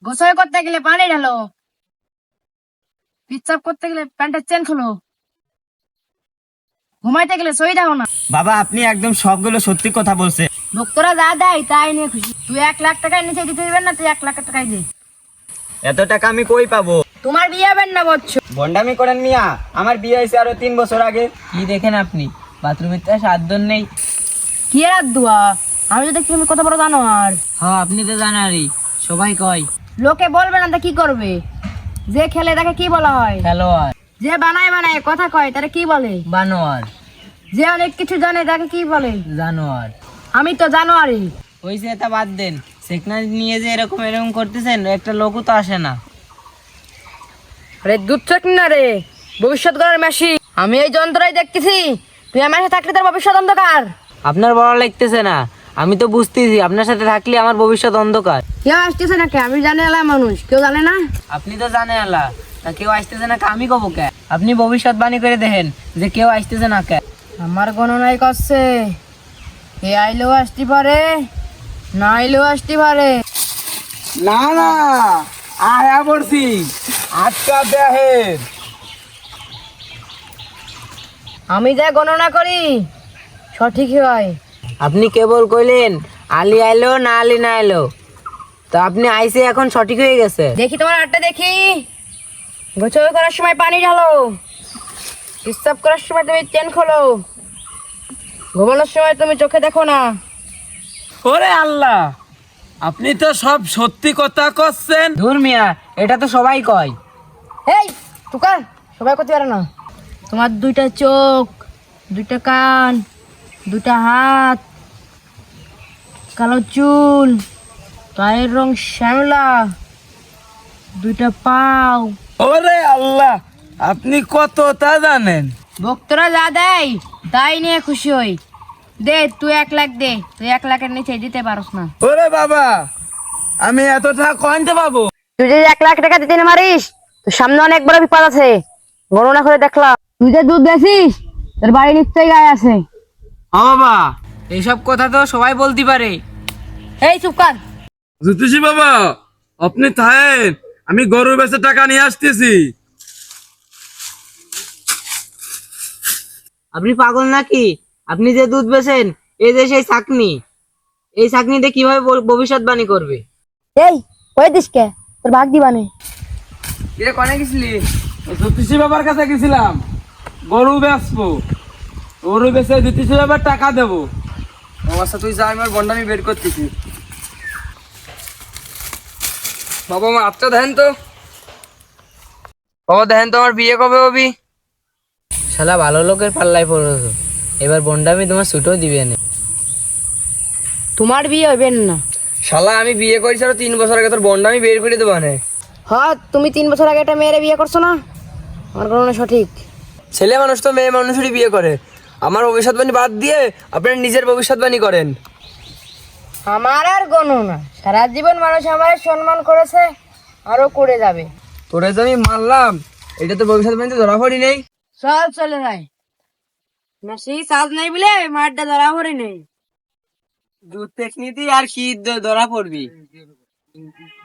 গোসল করতে গেলে পানি ঢালো, পিচ্চাপ করতে গেলে প্যান্টের চেন খোলো, ঘুমাইতে গেলে সই দাও না। বাবা আপনি একদম সবগুলো সত্যি কথা বলছে। ভক্তরা যা দেয় তাই নিয়ে খুশি। তুই 1 লাখ টাকায় নিচে দিতে দিবেন না, তুই 1 লাখ টাকাই দে। এত টাকা আমি কই পাবো? তোমার বিয়ে হবেন না বলছো? ভন্ডামি করেন মিয়া, আমার বিয়ে হয়েছে আরো 3 বছর আগে। কি দেখেন আপনি? বাথরুমের তো সাতজন নেই। কি আর দুয়া, আমি তো দেখছি তুমি কত বড় জানো। আর হ্যাঁ আপনি তো জানারই, সবাই কয় লোকে বলবে না তা কি করবে? যে খেলে তাকে কি বলা হয়? খেলোয়াড়। যে বানায় বানায় কথা কয় তারা কি বলে? বানোয়ার। যে অনেক কিছু জানে তাকে কি বলে? জানোয়ার। আমি তো জানোয়ারই। হয়েছে তা বাদ দেন, সেকনারি নিয়ে যে এরকম এরকম করতেছেন, একটা লোকও তো আসে না। আরে দুধ চক না রে, ভবিষ্যৎ গড়ার মেশি। আমি এই যন্ত্রই দেখতেছি, তুই আমার সাথে থাকলে তোর ভবিষ্যৎ অন্ধকার। আপনার বড় লাগতেছে না, আমি তো বুঝতেছি আপনার সাথে থাকলে আমার ভবিষ্যৎ অন্ধকার। কেউ আসতেছে নাকি? আমি জানি এলাম মানুষ, কেউ জানে না। আপনি তো জানেন আল্লাহ, তা কেউ আসতেছে না, আমি কব কে? আপনি ভবিষ্যৎবাণী করে দেখেন যে কেউ আসতেছে না কে। আমার গণনাই করছে, এ আইলেও আসতে পারে, না আইলেও আসতে পারে। না না, আয়া পড়ছি, আটকা দেহের। আমি যা গণনা করি সঠিকই হয়। আপনি কেবল কইলেন আলী আইলো না আলী না এলো, তো আপনি আইসে এখন সঠিক হয়ে গেছে। দেখি তোমার হাতটা দেখি। গোসল করার সময় পানি ঢালো, প্রস্রাব করার সময় তুমি চেন খোলো, ঘুমানোর সময় তুমি চোখে দেখো না। ওরে আল্লাহ, আপনি তো সব সত্যি কথা করছেন। ধুর মিয়া, এটা তো সবাই কয়। এই তুকার, সবাই করতে পারে না। তোমার 2টা চোখ, 2টা কান, 2টা হাত, কালো চুল, গায়ের রং শ্যামলা, 2টা পাও। ওরে আল্লাহ, আপনি কতটা জানেন? ভক্তরা যা দেয় তাই নিয়ে খুশি হই। দে তুই 1 লাখ দে, তুই 1 লাখের নিচে দিতে পারস না। ওরে বাবা, আমি এত টাকা কইতে পাবো? তুই যদি 1 লাখ টাকা দিতে না পারিস, তোর সামনে অনেক বড় বিপদ আছে। গণনা করে দেখলাম, তুই যে দুধ বেচিস তোর বাড়ি নিশ্চয়ই গায়ে আছে। ও বাবা, এইসব কথা তো সবাই বলতে পারে। এই চুপ কর। জ্যোতিষী বাবা, আপনি থাকেন, আমি গরু বেচে টাকা নিয়ে আসতেছি। আপনি পাগল নাকি? আপনি যে দুধ বেচেন, এই যে সেই ছাকনি, এই ছাকনিতে কিভাবে ভবিষ্যৎবাণী করবে? এই ওই দিসকে তোর ভাগ দিবানে। এটা কনে গেছিলি? জ্যোতিষী বাবার কাছে গেছিলাম, গরু বেচবো। গরু বেচে জ্যোতিষী বাবার টাকা দেবো। অবস্থা তুই যা, আমার বন্ডামি বের করতেছি। বাবা আমার হাতটা দেখেন তো। বাবা দেখেন তো, আমার বিয়ে কবে হবি? শালা ভালো লোকের পাল্লায় পড়েছো, এবার বন্ডামি তোমার ছুটেও দিবে না। তোমার বিয়ে হইবেন না। শালা আমি বিয়ে করেছি আরো 3 বছর আগে, তোর বন্ডামি বের করে দেবো না। হ্যাঁ, তুমি 3 বছর আগে একটা মেয়েরে বিয়ে করছো না? আমার গণনা সঠিক। ছেলে মানুষ তো মেয়ে মানুষেরই বিয়ে করে। আমার ভবিষ্যৎবাণী বাদ দিয়ে আপনার নিজের ভবিষ্যৎবাণী করেন। আমার আর গণনা, সারা জীবন মানুষ আমার সম্মান করেছে, আরো করে যাবে। তোরে যে আমি মারলাম, এটা তো ভবিষ্যৎবাণীতে ধরা পড়ি নেই। চল চলে যায় মেসি, সাজ নাই বলে মারটা ধরা পড়ে নেই। দুধ পেকনিতে আর কি ধরা পড়বি?